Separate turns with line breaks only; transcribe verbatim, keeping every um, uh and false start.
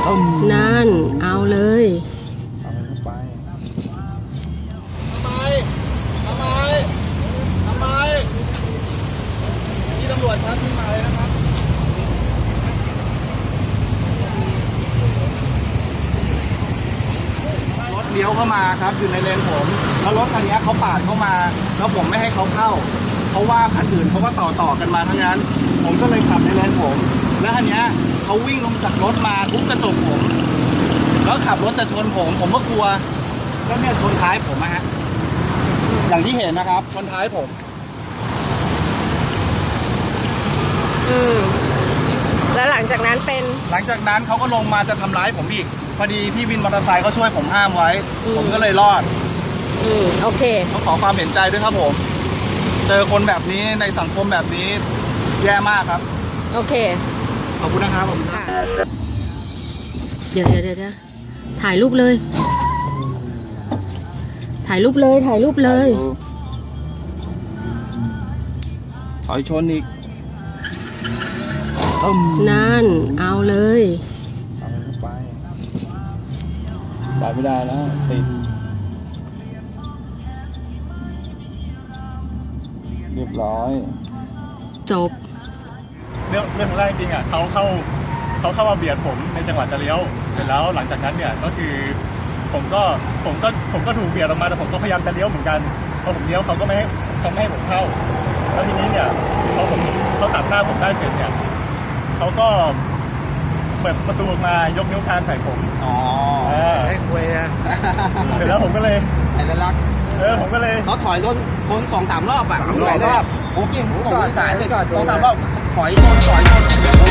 นั่นเอาเลย
เอาเข้าไป
ทำไมทำไมทำไมนี่ตำรวจครับที่มาเลยนะครับรถเลี้ยวเข้ามาครับอยู่ในเลนผมแล้วรถคันนี้เขาปาดเข้ามาแล้วผมไม่ให้เขาเข้าเพราะว่าคันอื่นเขาก็ต่อต่อกันมาทั้งนั้นผมก็เลยขับในเลนผมแล้วคันนี้เขาวิ่งลงจากรถมาทุบกระจกผมแล้วขับรถจะชนผมผมก็กลัวแล้วเนี่ยชนท้ายผมนะฮะอย่างที่เห็นนะครับชนท้ายผม
อืมแล้วหลังจากนั้นเป็น
หลังจากนั้นเขาก็ลงมาจะทำร้ายผมอีกพอดีพี่วินมอเตอร์ไซค์เขาช่วยผมห้ามไว้ผมก็เลยรอด
อืมโอเค
เขาขอความเห็นใจด้วยครับผมเจอคนแบบนี้ในสังคมแบบนี้แย่มากครับ
โอเค
ขอบคุณนะครับผม
เดี๋ยวเดี๋ยวเดี๋ยวถ่ายรูปเลยถ่ายรูปเลยถ่ายรูปเลย
ถอยชนอีก
นั่นเอาเลย
เอาเข้าไปไปไม่ได้แล้วติดเรียบร้อย
จบ
เรื่องเรื่องของแรกจริงอ่ะเขาเข้าเขาเข้ามาเบียดผมในจังหวะจะเลี้ยวเสร็จแล้วหลังจากนั้นเนี่ยก็คือผมก็ผมก็ผมก็ถูกเบียดออกมาแต่ผมก็พยายามจะเลี้ยวเหมือนกันพอผมเลี้ยวเขาก็ไม่ให้เขาไม่ให้ผมเข้าแล้วทีนี้เนี่ยพอผมเขาตัดหน้าผมได้เสร็จเนี่ยเขาก็เปิดประตูออกมายกนิ้วกลางใส่ผม
อ๋อไอ้คุยอะ
เสร็จแล้วผมก็เลย
ไอ้ลัก
เออผมก็เลย
เขาถอยรถคนสองสามรอบอ่ะ
สองรอบ
โอ้ยผมก่อนสายเลยก่อน
สองสามรอบถอยชนถอยชน